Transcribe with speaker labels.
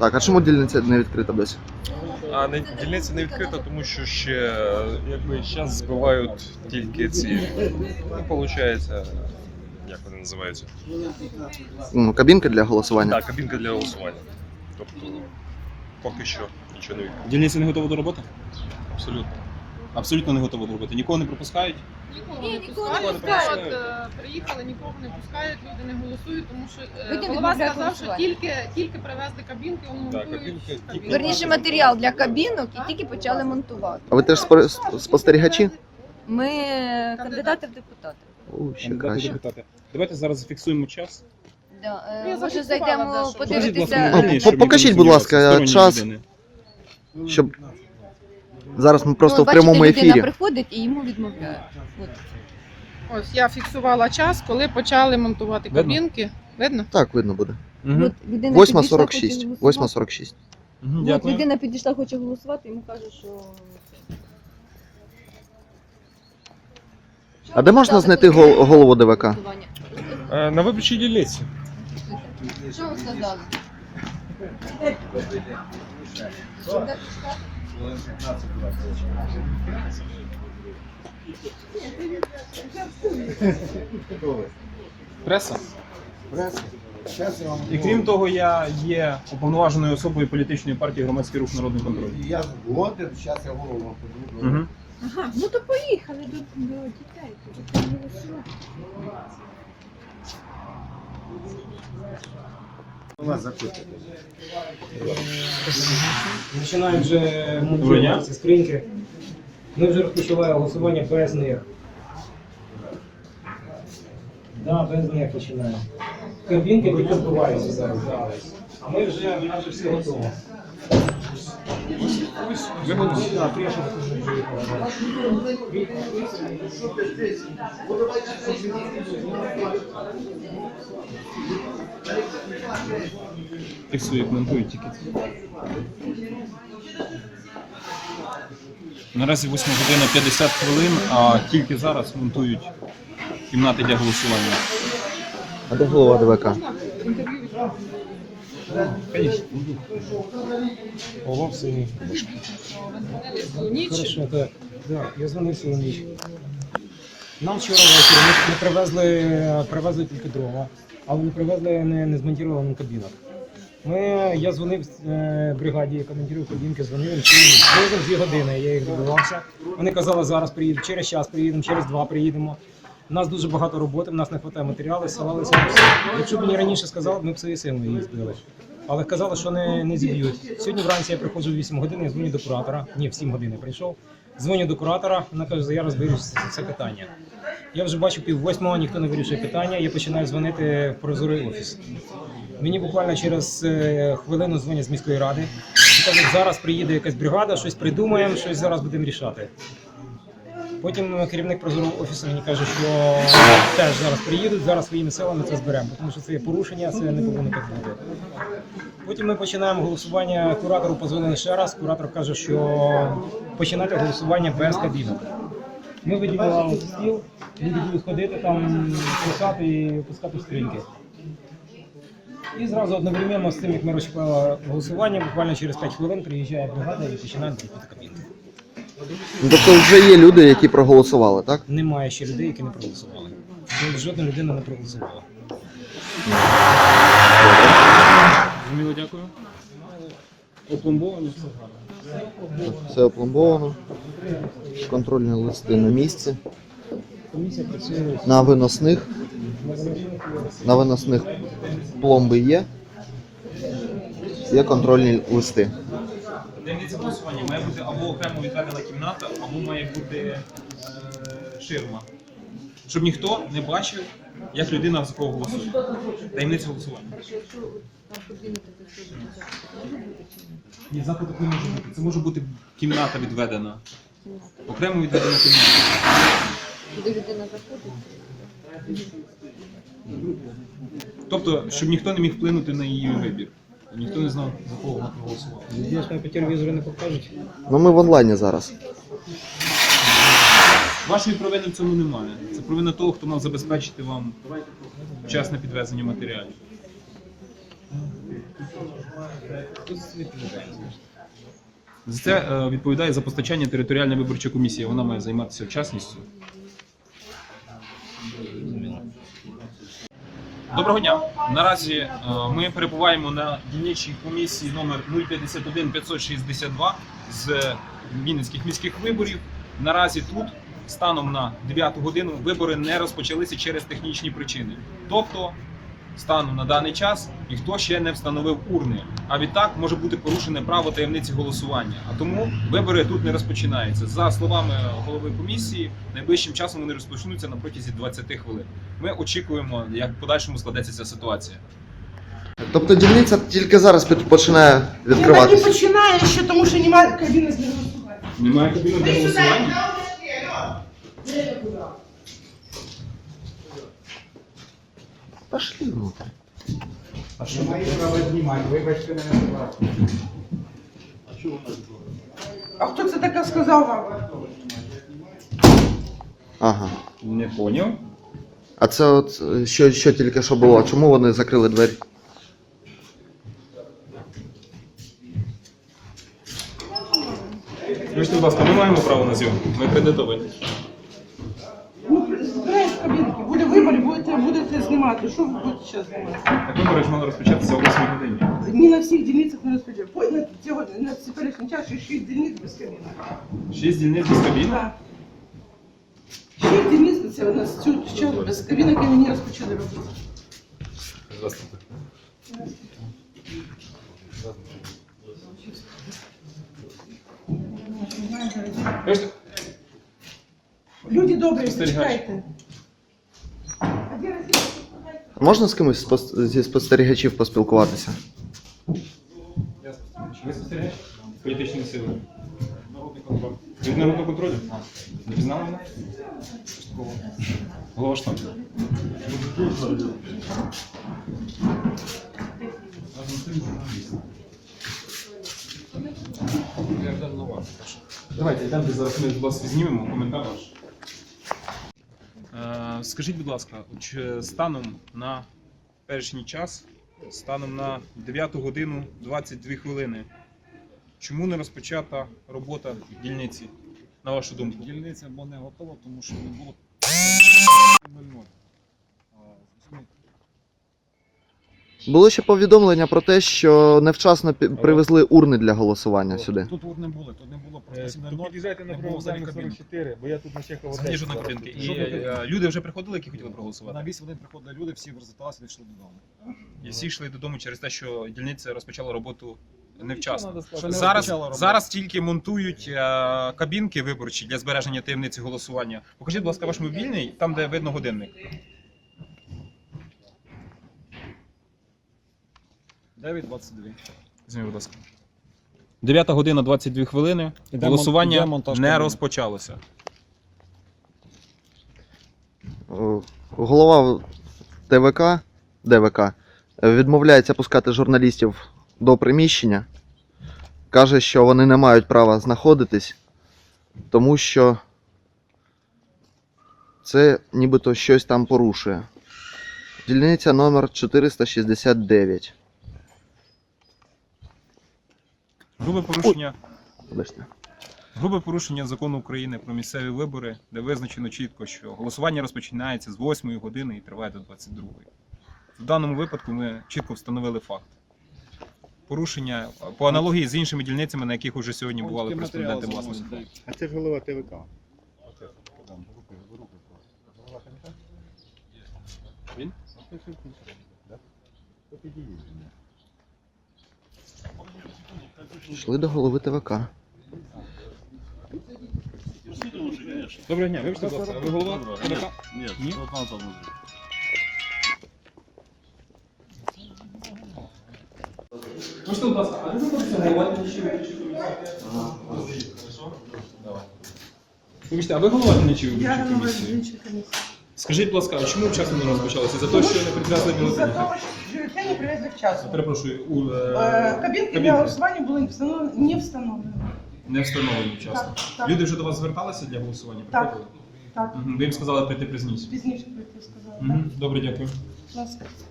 Speaker 1: Так, а чому дільниця не відкрита досі?
Speaker 2: А дільниця не відкрита, тому що ще зараз збивають тільки ці, виходить, як вони називаються?
Speaker 1: Ну, кабінки для голосування?
Speaker 2: Так, кабінка для голосування. Тобто поки що нічого не відкрито.
Speaker 3: Дільниця не готова до роботи?
Speaker 2: Абсолютно.
Speaker 3: Абсолютно не готова до роботи. Нікого не пропускають?
Speaker 4: Нікого не пускають. Приїхали, нікого не пускають, люди не голосують, тому що голова сказав, що тільки привезли кабінки, монтують.
Speaker 5: Верніше, матеріал для кабінок і тільки почали монтувати.
Speaker 1: А ви теж спостерігачі?
Speaker 5: Ми кандидати в депутати.
Speaker 1: О, ще
Speaker 3: Кандидати
Speaker 1: краще.
Speaker 3: депутати. Давайте зараз зафіксуємо час.
Speaker 5: Да.
Speaker 4: Я
Speaker 5: Може
Speaker 4: зафіксувала,
Speaker 5: зайдемо
Speaker 4: да, що-
Speaker 3: Покажіть, будь ласка,
Speaker 5: подивитися.
Speaker 3: мені,
Speaker 1: Ну,
Speaker 3: щоб
Speaker 1: покажіть,
Speaker 3: ніхто не
Speaker 1: будь ласка,
Speaker 3: сумнівався,
Speaker 1: час.
Speaker 3: сторонні людини.
Speaker 1: Щоб... Зараз ми просто
Speaker 5: Ну,
Speaker 1: в прямому
Speaker 5: бачите,
Speaker 1: ефірі.
Speaker 5: людина приходить і йому відмовляють. От.
Speaker 4: Ось я фіксувала час, коли почали монтувати
Speaker 3: Видно?
Speaker 4: кабінки. Видно?
Speaker 1: Так, видно буде.
Speaker 3: Мгм.
Speaker 5: От людина підійшла, хоче
Speaker 1: 8:46.
Speaker 5: голосувати.
Speaker 1: 8:46.
Speaker 3: Мгм,
Speaker 5: От
Speaker 3: Дякую.
Speaker 5: людина підійшла, хоче голосувати, йому каже, що...
Speaker 1: А де можна знайти голову ДВК?
Speaker 2: На виборчій дільниці.
Speaker 5: Що ви сказали?
Speaker 3: Преса? І крім того, я є уповноваженою особою політичної партії «Громадський рух Народний контроль».
Speaker 6: Я згоден, зараз я голову подивлюсь.
Speaker 3: Угу.
Speaker 5: Ага, ну то поїхали до дітей.
Speaker 6: Вас запитати.
Speaker 7: Починають вже
Speaker 3: Доброго дня.
Speaker 7: монтувати ці скриньки. Ми вже розпочали голосування без них. Да, без них починаємо. Кабінки тільки збиваються зараз. Да. А ми вже майже всі готові. Да, Креша вже приїхала, да.
Speaker 3: Фіксую, коментую тільки. Наразі 8 година 50 хвилин, а тільки зараз монтують кімнати для голосування.
Speaker 1: А де голова ДВК?
Speaker 7: Ого, в селі. Хорошо, так. Да, я дзвонив сьогодні. Нам вчора ввечері ми привезли тільки дрова, але не привезли не змонтований кабінок. Я дзвонив бригаді, яка монтує кабінки, дзвонив, приїздив 2 години, я їх добивався. Вони казали, зараз приїдемо, через час приїдемо, через 2 приїдемо. У нас дуже багато роботи, у нас не вистачає матеріалу, ссилалися на все. Якщо б мені раніше сказали, ми б своєю силою їх збили. Але казали, що не зіб'ють. Сьогодні вранці я приходжу в 8 годин, я дзвоню до куратора. Ні, в 7 годин я прийшов. Дзвоню до куратора, вона каже, я розберу це питання. Я вже бачу 7:30, ніхто не вирішує питання, я починаю дзвонити в прозорий офіс. Мені буквально через хвилину дзвонять з міської ради. І кажуть, зараз приїде якась бригада, щось придумаємо, щось зараз будемо рішати. Потім керівник прозорого офісу мені каже, що теж зараз приїдуть, зараз своїми силами це зберемо, тому що це є порушення, це не повинно так бути. Потім ми починаємо голосування, куратору позвонили ще раз, куратор каже, що починати голосування без кабінок. Ми виділили стіл, люди будуть ходити там, писати і опускати скриньки. І зразу одновременно з тим, як ми розчіпали голосування, буквально через 5 хвилин приїжджає бригада і починає робити кабінки.
Speaker 1: Ну, тобто вже є люди, які проголосували, так?
Speaker 7: Немає ще людей, які не проголосували. Жодна людина не проголосувала.
Speaker 3: Зрозуміло, дякую. Опломбовані, все гарно.
Speaker 1: Все опломбовано. Контрольні листи на місці.
Speaker 7: Комісія працює.
Speaker 1: На виносних пломби є. Є контрольні листи.
Speaker 3: Таємниця голосування має бути або окремо відведена кімната, або має бути ширма. Щоб ніхто не бачив, як людина за кого голосує. Таємниця голосування. Ні, заходу не може бути. Це може бути кімната відведена. Окремо відведена кімната.
Speaker 5: Куди людина заходить?
Speaker 3: Тобто, щоб ніхто не міг вплинути на її вибір. І ніхто не знав, за кого вона проголосувала.
Speaker 7: Надіюсь, нам по телевізору не покажуть.
Speaker 1: Ну ми в онлайні зараз.
Speaker 3: Вашої провини в цьому немає. Це провина того, хто мав забезпечити вам вчасне підвезення матеріалів. За це відповідає за постачання територіальна виборча комісія. Вона має займатися вчасністю. Доброго дня. Наразі ми перебуваємо на дільничній комісії номер 051 562 з Вінницьких міських виборів. Наразі тут, станом на 9 годину, вибори не розпочалися через технічні причини. Тобто, станом на даний час ніхто ще не встановив урни, а відтак може бути порушене право таємниці голосування. А тому вибори тут не розпочинаються. За словами голови комісії, найближчим часом вони розпочнуться на протязі 20 хвилин. Ми очікуємо, як в подальшому складеться ця ситуація.
Speaker 1: Тобто дільниця тільки зараз починає
Speaker 8: Він так і
Speaker 1: відкриватися.
Speaker 8: починає ще, тому що немає кабіни з голосування.
Speaker 3: Немає кабінок для голосування?
Speaker 1: Пошли внутрь.
Speaker 8: А хто це таке сказав вам?
Speaker 1: Ага.
Speaker 3: Не поняв.
Speaker 1: А це от що тільки що було? Чому вони закрили двері?
Speaker 3: Скажіть, будь ласка, ми маємо право на зйомку? Ми акредитовані.
Speaker 8: Ну, збираєш кабінки, буде вибори, будете знімати. Що ви будете зараз знімати?
Speaker 3: Так вибори ж мали розпочатися о 8 годині.
Speaker 8: Ні на всіх дільницях не розподіляють. Сьогодні на теперішній час ще 6 дільниць без кабінок.
Speaker 3: 6 дільниць без кабіни?
Speaker 8: Так. 6 дільниць це у нас цю час без кабінок і мені розпочали робити.
Speaker 3: Здравствуйте.
Speaker 8: Люди добрі,
Speaker 3: Спостерігач.
Speaker 8: чекайте. А де Росія?
Speaker 1: Можна з кимось зі спостерігачів поспілкуватися?
Speaker 3: Я спостерігач. Ви спостерігач? Політичні сили. Народний контроль. Від народного контролю? Не пізнали мене? Голова штабу. Давайте, йдемо, зараз ми вас знімемо, коментар ваш. Скажіть, будь ласка, чи станом на першній час, станом на 9 годину 22 хвилини, чому не розпочата робота дільниці, на вашу думку?
Speaker 9: Дільниця бо не готова, тому що не було 0,0.
Speaker 1: Було ще повідомлення про те, що невчасно привезли урни для голосування сюди.
Speaker 9: Тут не було, тут не було просто 7:00.
Speaker 7: Під'їжджайте
Speaker 9: на Привокзальну
Speaker 7: 44, бо я тут на Чехова
Speaker 3: Взагалі жодної кабінки. І люди вже приходили, які хотіли проголосувати?
Speaker 9: На 8 годин приходили люди, всі розверталися, йшли додому.
Speaker 3: І всі йшли додому через те, що дільниця розпочала роботу невчасно.
Speaker 9: Ще не розпочала
Speaker 3: Зараз,
Speaker 9: роботу.
Speaker 3: зараз тільки монтують кабінки виборчі для збереження таємниці голосування. Покажіть, будь ласка, ваш мобільний, там, де видно годинник.
Speaker 9: 9:22.
Speaker 3: Візьміть, будь ласка. 9 година 22 хвилини.
Speaker 9: Іде
Speaker 3: Голосування
Speaker 9: монтаж
Speaker 3: не
Speaker 9: кабінок.
Speaker 3: розпочалося.
Speaker 1: Голова ДВК відмовляється пускати журналістів до приміщення. Каже, що вони не мають права знаходитись, тому що це нібито щось там порушує. Дільниця номер 469.
Speaker 3: Грубе порушення закону України про місцеві вибори, де визначено чітко, що голосування розпочинається з 8 години і триває до 22. В даному випадку ми чітко встановили факт. Порушення по аналогії з іншими дільницями, на яких вже сьогодні бували кореспонденти власності.
Speaker 6: А це ж голова ТВК.
Speaker 3: Він?
Speaker 1: Йшли до голови ТВК.
Speaker 3: Доброго дня, вибачте, будь ласка, ви голова? Ні? Можете, будь ласка, а ви знаходитеся голова дільничої виборчої комісії? Давай. Вибачте, а ви голова дільничої
Speaker 8: Я
Speaker 3: виборчої
Speaker 8: голова
Speaker 3: комісії?
Speaker 8: дільничої комісії.
Speaker 3: Скажіть, будь ласка, а чому вчасно не розпочалося? За те, що не привезли
Speaker 8: За
Speaker 3: бюлетені?
Speaker 8: того, що бюлетені привезли вчасно.
Speaker 3: Перепрошую,
Speaker 8: Кабінки для голосування були не встановлені.
Speaker 3: не встановлені вчасно.
Speaker 8: Так, так.
Speaker 3: Люди вже до вас зверталися для голосування?
Speaker 8: Так.
Speaker 3: Приходили?
Speaker 8: Так,
Speaker 3: Мгм. Ви їм сказали прийти пізніше?
Speaker 8: пізніше прийти сказали.
Speaker 3: Мгм. Добре, дякую.
Speaker 8: Будь ласка.